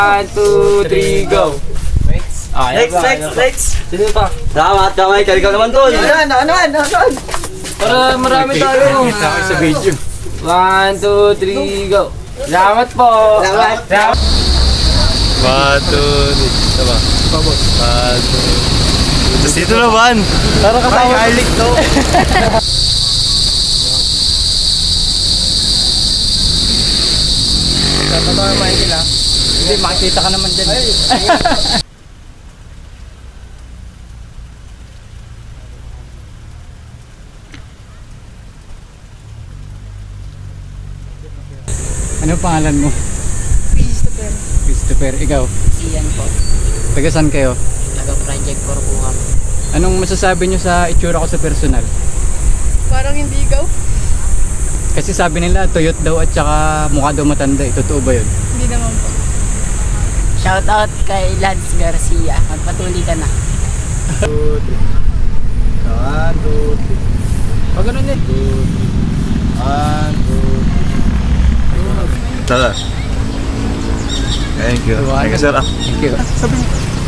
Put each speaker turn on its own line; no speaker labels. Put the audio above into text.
1, 2, 3, go!
Next.
Sino pa?
Salamat, kamay. Kaligaw naman doon. Ano?
Para marami tayo.
Kita ko sa video.
1, 2, 3, go! Salamat po!
Salamat.
1, 2, tama. 1, 2. Tapos dito naman.
Para kasama. Garlic to.
Totoo naman sila. Hindi, makikita ka naman dyan.
Ano pangalan mo?
Christopher.
Christopher, ikaw?
Siyan po.
Taga saan kayo?
Taga-project for po kami.
Anong masasabi nyo sa itsura ko sa personal?
Parang hindi ikaw?
Kasi sabi nila, tuyot daw at saka mukha daw matanda. Totoo ba yun?
Hindi naman po. Shout out kay Lance Garcia. Magpatuloy ka na.
1, 2, 3.
Pag ganun din.
1, 2, 3.
Tara. Thank you. Thank you, sir.
Thank you.